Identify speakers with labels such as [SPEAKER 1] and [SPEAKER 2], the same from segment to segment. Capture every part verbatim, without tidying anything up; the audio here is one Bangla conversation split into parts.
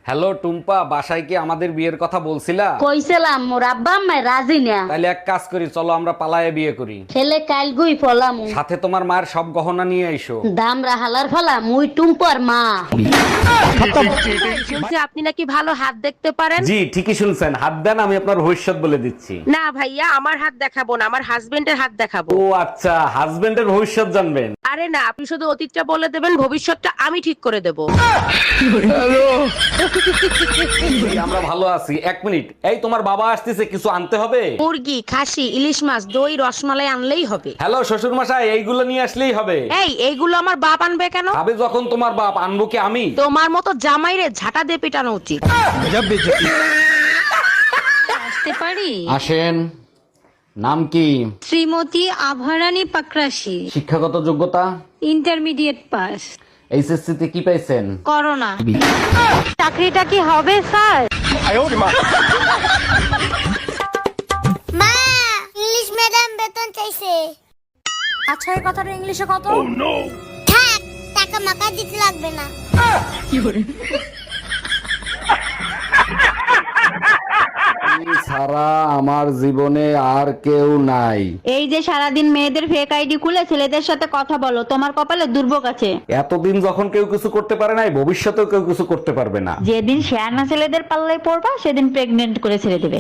[SPEAKER 1] হ্যালো টুম্পা, বাসায় কি আমাদের বিয়ের কথা বলছিলা?
[SPEAKER 2] কইছিলাম মোর আব্বা আম্মা রাজি না।
[SPEAKER 1] তাইলে এক কাজ করি, চলো আমরা পালায়ে বিয়ে করি।
[SPEAKER 2] ছেলে কাল গুই ফলাম
[SPEAKER 1] সাথে তোমার মায়ের সব গহনা নিয়ে আইসো।
[SPEAKER 2] দাম রাহালার ফলা মুই টুম্পর মা।
[SPEAKER 3] শুনছি আপনি নাকি ভালো হাত দেখতে পারেন।
[SPEAKER 1] জি ঠিকই শুনছেন, হাত দেন, আমি আপনার ভবিষ্যৎ বলে দিচ্ছি।
[SPEAKER 3] না ভাইয়া, আমার হাত দেখাবো না, আমার হাজবেন্ডের হাত দেখাবো।
[SPEAKER 1] ও আচ্ছা, হাজবেন্ডের ভবিষ্যৎ জানবেন?
[SPEAKER 3] আরে না, আপনি শুধু অতীতটা বলে দেবেন, ভবিষ্যৎটা আমি ঠিক করে দেব।
[SPEAKER 1] আমরা ভালো আছি। এক মিনিট, এই তোমার বাবা আসতেছে, কিছু আনতে হবে?
[SPEAKER 3] মুরগি, খাসি, ইলিশ মাছ, দই, রসমালাই আনলেই হবে।
[SPEAKER 1] হ্যালো শ্বশুর মশাই, এইগুলো নিয়ে আসলেই হবে।
[SPEAKER 3] এই এইগুলো আমার বাপ আনবে কেন?
[SPEAKER 1] আবে যখন তোমার বাপ, আনবো কি আমি?
[SPEAKER 3] তোমার মতো জামাইরে ঝাঁটা দিয়ে পিটানো উচিত।
[SPEAKER 4] আসতে পারি?
[SPEAKER 1] আসেন। নাম কি?
[SPEAKER 4] শ্রীমতী আভারানী পাকরাশি,
[SPEAKER 1] শিক্ষাগত যোগ্যতা?
[SPEAKER 4] Intermediate pass.
[SPEAKER 1] এইচএসসি তে কি পাইছেন?
[SPEAKER 4] করোনা। চাকরিটা কি হবে স্যার?
[SPEAKER 5] মা, ইংলিশ ম্যাডাম বেতন চাইছে।
[SPEAKER 6] আচ্ছা, এই কথাটা ইংলিশে কত?
[SPEAKER 5] থাক, টাকা মাকা দিতে লাগবে না।
[SPEAKER 1] সারা আমার জীবনে আর কেউ নাই।
[SPEAKER 2] এই যে সারাদিন মেয়েদের ফেক আইডি খুলে ছেলেদের সাথে কথা বলো, তোমার কপালে দুর্ভোগ আছে।
[SPEAKER 1] এতদিন যখন কেউ কিছু করতে পারে নাই, ভবিষ্যতেও কেউ কিছু করতে পারবে না।
[SPEAKER 2] যেদিন শেয়ানা ছেলেদের পাল্লায় পড়বা সেদিন প্রেগনেন্ট করে ছেড়ে দেবে।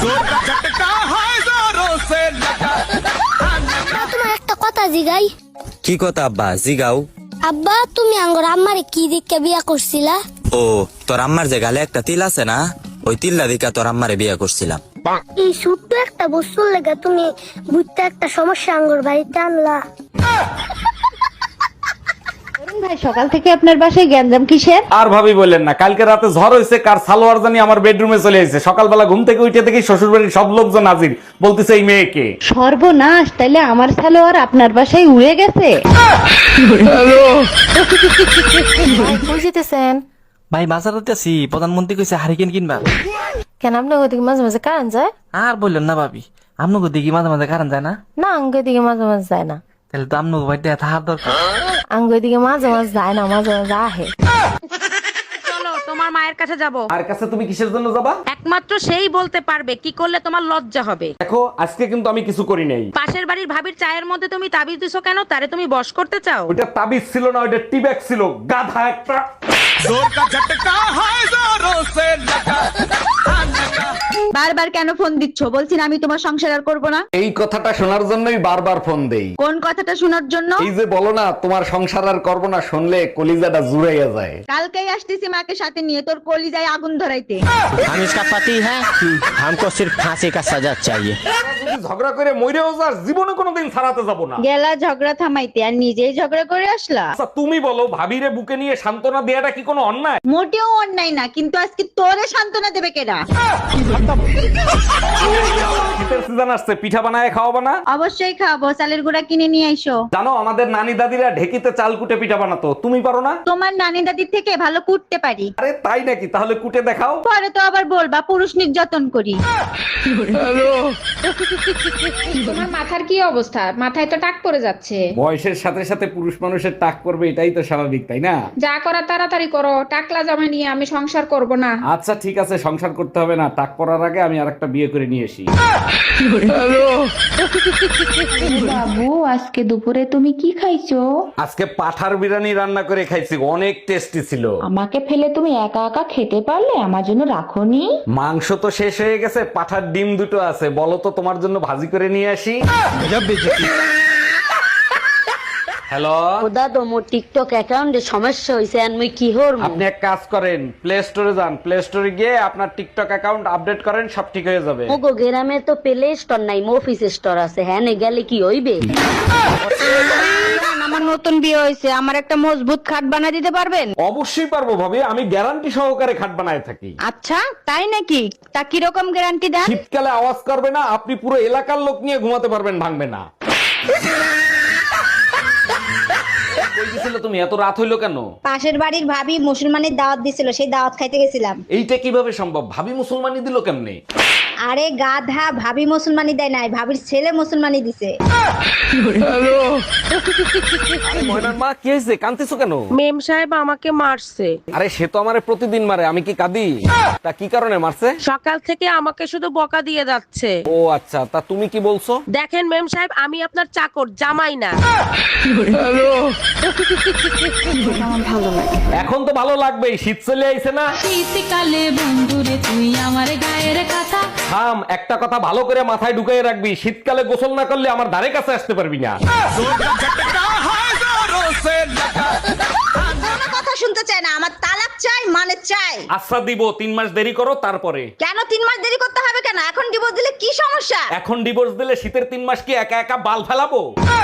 [SPEAKER 5] মা, তোমার একটা কথা জিগাই।
[SPEAKER 7] কি কথা আব্বা? জিগাও।
[SPEAKER 5] আব্বা, তুমি আঙ্গর আম্মারে কি দিকে বিয়া করছিলা?
[SPEAKER 7] ও, তোর আম্মার যে গালে একটা তিল আছে না, ওই তিল্লা দিকা তোর আম্মারে বিয়ে করছিলাম।
[SPEAKER 5] এই ছোট্ট একটা বস্তুর লেগে তুমি বুঝতে একটা সমস্যা আঙ্গর বাড়িতে আনলা।
[SPEAKER 2] ভাই, সকাল থেকে আপনার বাসায় গ্যাঞ্জাম কিসের?
[SPEAKER 1] আর ভাবি বললেন না, কালকে রাতে ঝড় হয়েছে, কার সালোয়ার জানি আমার বেডরুমে চলে এসেছে। সকালবেলা ঘুম থেকে উঠে দেখি শ্বশুর বাড়ির সব লোকজন হাজির, বলতেছে এই মেয়েকে।
[SPEAKER 2] সর্বনাশ, তাইলে আমার সালোয়ার আপনার বাসায় উড়ে গেছে।
[SPEAKER 6] বুঝিতেছেন?
[SPEAKER 8] ভাই বাজারতে আছি, প্রধানমন্ত্রী কইছে হারিকেন কিনবা।
[SPEAKER 6] কেন আপনার ওদিকে মাঝে মাঝে কারেন্ট যায়?
[SPEAKER 8] আর বললেন না ভাবি, আপনাকে দিকে মাঝে মাঝে কারণ যায় না।
[SPEAKER 6] না, আঙ্গ দিকে মাঝে মাঝে যায় না।
[SPEAKER 8] তাহলে তো আপনাকে বাড়িতে থাকার দরকার।
[SPEAKER 6] আঙ্গ দিকে মাঝে মাঝে যায় না, মাঝে মাঝে আহে।
[SPEAKER 3] চলো তোমার মায়ের কাছে যাব।
[SPEAKER 1] আর কাছে তুমি কিসের জন্য যাবা?
[SPEAKER 3] একমাত্র সেই বলতে পারবে কি করলে তোমার লজ্জা হবে।
[SPEAKER 1] দেখো, আজকে কিন্তু আমি কিছু করি নাই।
[SPEAKER 3] পাশের বাড়ির ভাবির চায়ের মধ্যে তুমি তাবিজ দিছো কেন? তারে তুমি বশ করতে চাও?
[SPEAKER 1] ওইটা তাবিজ ছিল না, ওইটা টিব্যাগ ছিল, গাধা একটা।
[SPEAKER 2] বারবার কেন ফোন দিচ্ছ? বলছি না আমি তোমার সংসার আর করবো না।
[SPEAKER 1] এই কথাটা শোনার জন্যই বারবার ফোন দেই।
[SPEAKER 2] কোন কথাটা শোনার জন্য?
[SPEAKER 1] এই যে বলো না তোমার সংসার আর করবো না, শুনলে কলিজাটা জুড়াইয়া যায়।
[SPEAKER 2] কালকেই আসতেছি মাকে সাথে নিয়ে, তোর কলিজায় আগুন ধরাইতে।
[SPEAKER 9] हम इसका पति है, हमको सिर्फ फांसी का सजा चाहिए।
[SPEAKER 1] যদি ঝগড়া করে মইরেও যাস, জীবনে কোনোদিন ছাড়াতে যাবো না।
[SPEAKER 2] গেলা ঝগড়া থামাইতে, আর নিজেই ঝগড়া করে আসলা।
[SPEAKER 1] আচ্ছা তুমি বলো, ভাবিরে বুকে নিয়ে সান্ত্বনা দেয়াটা কি কোনো অন্যায়?
[SPEAKER 2] মোটেও অন্যায় না, কিন্তু আজকে তোরে সান্ত্বনা দেবে কেডা?
[SPEAKER 1] শীতের সিজন আসছে, পিঠা বানায় খাওয়াবো না?
[SPEAKER 2] অবশ্যই খাবো, চালের গুঁড়া কিনে নিয়ে আইসো।
[SPEAKER 1] জানো আমাদের নানি দাদিরা ঢেকিতে চাল কুটে পিঠা বানাতো, তুমি পারো না?
[SPEAKER 2] তোমার নানি দাদির থেকে ভালো কুটতে পারি।
[SPEAKER 1] আরে তাই নাকি? তাহলে কুটে দেখাও।
[SPEAKER 2] পরে তো আবার বলবা পুরুষ নির্যাতন করি।
[SPEAKER 10] তোমার মাথার কি অবস্থা? মাথায় তো টাক পড়ে যাচ্ছে।
[SPEAKER 1] বয়সের সাথে সাথে পুরুষ মানুষের টাক করবে, এটাই তো স্বাভাবিক, তাই না?
[SPEAKER 10] যা করা তাড়াতাড়ি করো, টাকলা জামা নিয়ে আমি সংসার করব না।
[SPEAKER 1] আচ্ছা ঠিক আছে, সংসার করতে হবে না, টাক পড়ার আগে আমি আরেকটা বিয়ে করে নিয়ে আসি।
[SPEAKER 2] বাবু, আজকে দুপুরে তুমি কি খাইছো?
[SPEAKER 1] আজকে পাঠার বিরিয়ানি রান্না করে খাইছি, অনেক টেস্টি ছিল।
[SPEAKER 2] আমাকে ফেলে তুমি একা একা খেতে পারলে, আমার জন্য রাখোনি?
[SPEAKER 1] মাংস তো শেষ হয়ে গেছে, পাঠার ডিম দুটো আছে, বলো তো তোমার জন্য ভাজি করে নিয়ে আসি। হ্যালো,
[SPEAKER 2] খোদা তো মোর টিকটক অ্যাকাউন্টে সমস্যা হইছে, আর মুই কি হরমু?
[SPEAKER 1] আপনি এক কাজ করেন, প্লে স্টোরে যান, প্লে স্টোরে গিয়ে আপনার টিকটক অ্যাকাউন্ট আপডেট করেন, সব ঠিক হয়ে যাবে।
[SPEAKER 2] মোগো গ্রামে তো প্লে স্টোর নাই, মফিস স্টোর আছে। হ্যাঁ, নে গেলে কি হইবে? আমার নতুন বিয়ে হয়েছে, আমার একটা মজবুত খাট বানিয়ে দিতে পারবেন?
[SPEAKER 1] অবশ্যই পারবো ভাবি, আমি গ্যারান্টি সহকারে খাট বানায় থাকি।
[SPEAKER 2] আচ্ছা তাই নাকি? তা কিরকম গ্যারান্টি দেন?
[SPEAKER 1] শীতকালে আওয়াজ করবে না, আপনি পুরো এলাকার লোক নিয়ে ঘুমাতে পারবেন, ভাঙবে না। কই গেছিলে তুমি? এত রাত হইলো কেন?
[SPEAKER 5] পাশের বাড়ির ভাবি মুসলমানের দাওয়াত দিছিল, সেই দাওয়াত খাইতে গেছিলাম।
[SPEAKER 1] এইটা কিভাবে সম্ভব? ভাবি মুসলমানি দিল কেমনে?
[SPEAKER 2] আরে গাধা, ভাবি মুসলমানি দেয় নাই, ভাবির ছেলে মুসলমানি দিছে।
[SPEAKER 1] ময়নার মা কি হয়েছে, কাঁদতেছো কেন?
[SPEAKER 3] মেম সাহেব আমাকে মারছে।
[SPEAKER 1] আরে সে তো আমারে প্রতিদিন মারে, আমি কি কাঁদি? তা কি কারণে মারছে?
[SPEAKER 3] সকাল থেকে আমাকে শুধু বকা দিয়ে যাচ্ছে।
[SPEAKER 1] ও আচ্ছা, তা তুমি কি বলছো?
[SPEAKER 3] দেখেন মেম সাহেব, আমি আপনার চাকর, জামাই না।
[SPEAKER 1] এখন তো ভালো লাগবেই, শীত চলে আইছে না?
[SPEAKER 4] শীতকালে বন্ধুরে তুই আমার গায়ের কথা।
[SPEAKER 1] থাম, একটা কথা ভালো করে মাথায় ঢুকিয়ে রাখবি, শীতকালে গোসল না করলে আমার ধারে কাছে আসতে পারবি না।
[SPEAKER 2] কথা শুনতে চাই না, আমার তালাক চাই, মানে চাই।
[SPEAKER 1] আচ্ছা দিব, তিন মাস দেরি করো তারপরে।
[SPEAKER 2] কেন তিন মাস দেরি করতে হবে কেন? এখন ডিভোর্স দিলে কি সমস্যা?
[SPEAKER 1] এখন ডিভোর্স দিলে শীতের তিন মাস কি একা একা বাল ফেলাবো?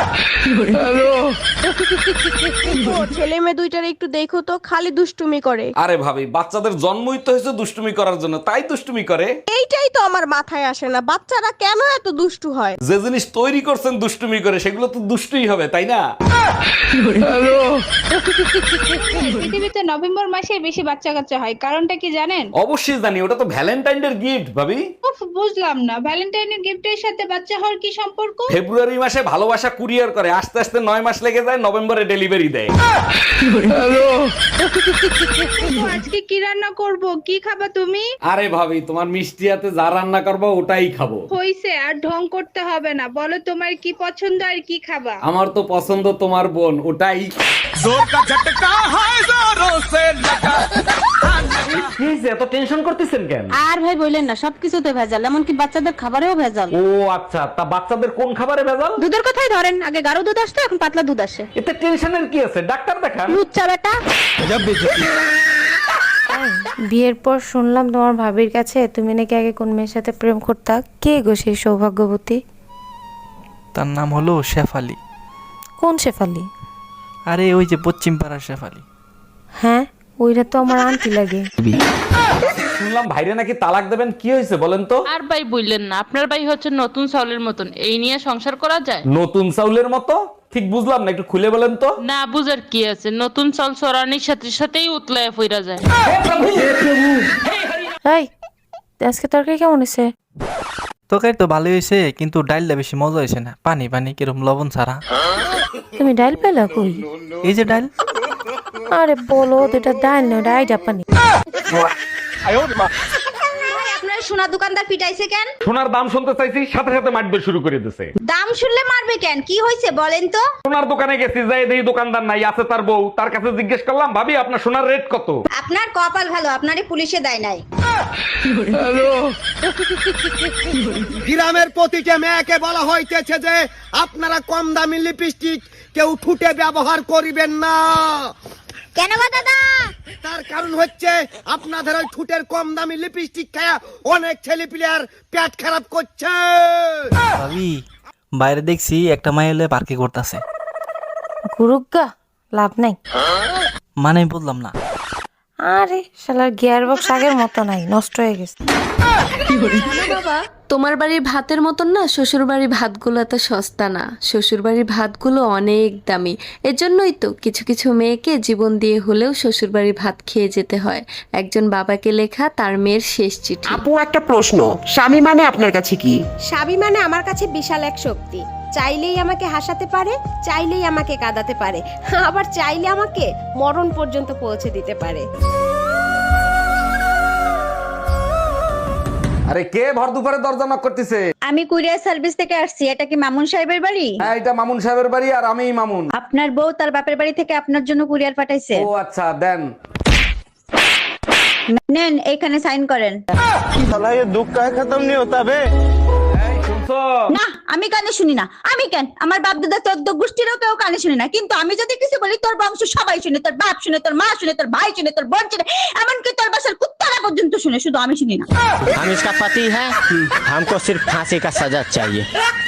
[SPEAKER 3] ছেলে মেয়ে দুইটার একটু দেখো তো, খালি দুষ্টুমি করে।
[SPEAKER 1] আরে ভাবি, বাচ্চাদের জন্মই তো হয়েছে দুষ্টুমি করার জন্য, তাই দুষ্টুমি করে।
[SPEAKER 3] এইটাই তো আমার মাথায় আসে না, বাচ্চারা কেন এত দুষ্টু হয়?
[SPEAKER 1] যে জিনিস তৈরি করছেন দুষ্টুমি করে, সেগুলো তো দুষ্টুই হবে, তাই না?
[SPEAKER 10] পৃথিবীতে নভেম্বর মাসে বেশি বাচ্চা কাচ্চা হয়, কারণটা কি জানেন?
[SPEAKER 1] অবশ্যই জানি, ওটা তো ভ্যালেন্টাইন ডে গিফট ভাবি।
[SPEAKER 10] উফ, বুঝলাম না, ভ্যালেন্টাইনের গিফটের সাথে বাচ্চা হওয়ার কি সম্পর্ক?
[SPEAKER 1] ফেব্রুয়ারি মাসে ভালোবাসা কুরিয়ার করে, আস্তে আস্তে নয় মাস লেগে যায়, নভেম্বরে ডেলিভারি দেয়।
[SPEAKER 10] আজকে কি রান্না করব? কি খাবা তুমি?
[SPEAKER 1] আরে ভাবি, তোমার মিষ্টি হাতে যা রান্না করবো ওটাই খাবো।
[SPEAKER 10] হইছে, আর ঢং করতে হবে না, বলো তোমার কি পছন্দ আর কি খাবা?
[SPEAKER 1] আমার তো পছন্দ তোমার বোন, ওটাই। এত টেনশন করতেছেন কেন?
[SPEAKER 2] আর ভাই বললেন না, সবকিছুতে ভেজাল, এমনকি বাচ্চাদের খাবারেও ভেজাল।
[SPEAKER 1] ও আচ্ছা, তা বাচ্চাদের কোন খাবারে ভেজাল?
[SPEAKER 2] দুধের কথাই ধরেন, আগে গাঢ় দুধ আসতো, এখন পাতলা দুধ আসে।
[SPEAKER 1] এতে টেনশনের কি আছে, ডাক্তার দেখান।
[SPEAKER 2] লুচ্চা বেটা।
[SPEAKER 6] বিয়ের পর শুনলাম তোমার ভাবির কাছে তুমি নাকি আগে কোন মেয়ের সাথে প্রেম করতা। কে গো সেই সৌভাগ্যবতী?
[SPEAKER 8] তার নাম হলো শেফালি।
[SPEAKER 6] কোন শেফালি?
[SPEAKER 8] আরে ওই যে পশ্চিম পাড়ার শেফালি।
[SPEAKER 6] হ্যাঁ, ওইটা তো আমার আন্টি লাগে।
[SPEAKER 1] শুনলাম ভাইরে নাকি তালাক দেবেন, কি হয়েছে বলেন তো?
[SPEAKER 11] আর ভাই বললেন না, আপনার ভাই হচ্ছে নতুন চাউলের মতন, এই নিয়ে সংসার করা যায়?
[SPEAKER 1] নতুন চাউলের মতো? ঠিক বুঝলাম না, একটু খুলে বলেন তো।
[SPEAKER 11] না বুঝার কি আছে, নতুন চাল চড়ানির সাথে সাথেই উতলায় ফিরা যায়।
[SPEAKER 6] এই, আজকে তরকারি কেমন হয়েছে?
[SPEAKER 8] তরকারি তো ভালোই হয়েছে, কিন্তু ডালটা বেশি মজা হয়েছে না, পানি পানি কিরম লবণ ছাড়া।
[SPEAKER 6] তুমি ডাল পেলা কই?
[SPEAKER 8] এই যে ডাল।
[SPEAKER 6] আরে বলো, এটা ডাল না, ডাই জাপানি।
[SPEAKER 2] আপনার সোনা দোকানদার পিটাইছে কেন?
[SPEAKER 1] সোনার দাম শুনতে চাইছি, সাথে সাথে মারবে শুরু করে দিয়েছে।
[SPEAKER 2] দাম শুনলে মারবে কেন? কি হয়েছে বলেন তো?
[SPEAKER 1] সোনার দোকানে গেছি, যাই দেখি দোকানদার নাই, আছে তার বউ। তার কাছে জিজ্ঞেস করলাম, ভাবি আপনার সোনার রেট কত?
[SPEAKER 2] আপনার কপাল ভালো, আপনারই পুলিশে দেয় নাই।
[SPEAKER 9] গ্রামের প্রতিটা মেয়েকে বলা হইতেছে যে আপনারা কম দামি লিপস্টিক কেউ ঠুটে ব্যবহার করিবেন না।
[SPEAKER 2] কেন গো দাদা?
[SPEAKER 9] তার কারণ হচ্ছে আপনাদের ওই ঠুটের কম দামি লিপস্টিক খায়া অনেক ছেলে প্লেয়ার পেট খারাপ করছে।
[SPEAKER 8] ভাবি, বাইরে দেখছি একটা মাই হলে পার্কে করতেছে।
[SPEAKER 6] গুরুগা, লাভ নাই।
[SPEAKER 8] মানে বললাম না।
[SPEAKER 6] আরে শালার গিয়ার বক্স আগের মতো নাই, নষ্ট হয়ে গেছে।
[SPEAKER 4] বাবা, তোমার বাড়ির ভাতের মতন না শ্বশুর বাড়ির ভাতগুলো এত সস্তা না, শ্বশুর বাড়ির ভাতগুলো অনেক দামি। এজন্যই তো কিছু কিছু মেয়েকে জীবন দিয়ে হলেও শ্বশুর বাড়ির ভাত খেয়ে যেতে হয়। একজন বাবাকে লেখা তার মেয়ের শেষ চিঠি।
[SPEAKER 12] আপু, একটা প্রশ্ন, স্বামী মানে আপনার কাছে কি?
[SPEAKER 13] স্বামী মানে আমার কাছে বিশাল এক শক্তি। চাইলেই আমাকে হাসাতে পারে, চাইলেই আমাকে কাঁদাতে পারে, আবার চাইলে আমাকে মরণ পর্যন্ত পৌঁছে দিতে পারে।
[SPEAKER 1] আরে কে ভর দুপুরে দরজা নক করতেছে?
[SPEAKER 2] আমি কুরিয়ার সার্ভিস থেকে আসছি, এটা কি মামুন সাহেবের বাড়ি?
[SPEAKER 1] হ্যাঁ, এটা মামুন সাহেবের বাড়ি, আর আমিই মামুন।
[SPEAKER 2] আপনার বউ তার বাপের বাড়ি থেকে আপনার জন্য কুরিয়ার পাঠাইছে।
[SPEAKER 1] ও আচ্ছা, দেন।
[SPEAKER 2] নেন, এখানে সাইন করেন।
[SPEAKER 9] साला ये दुख का खत्म नहीं होता बे।
[SPEAKER 1] এই শুনছো?
[SPEAKER 2] না, আমি কানে শুনি না। আমি কেন, আমার বাপ দাদা চোদ্দ গোষ্ঠীরও কেউ কানে শুনি না, কিন্তু আমি যদি কিছু বলি তোর বংশ সবাই শুনে, তোর বাপ শুনে, তোর মা শুনে, তোর ভাই শুনে, তোর বোন শুনে, এমনকি তোর বাসার কুত্তারা পর্যন্ত শুনে, শুধু আমি শুনি না।
[SPEAKER 9] हम इसका पति है, हमको सिर्फ फांसी का सजा चाहिए।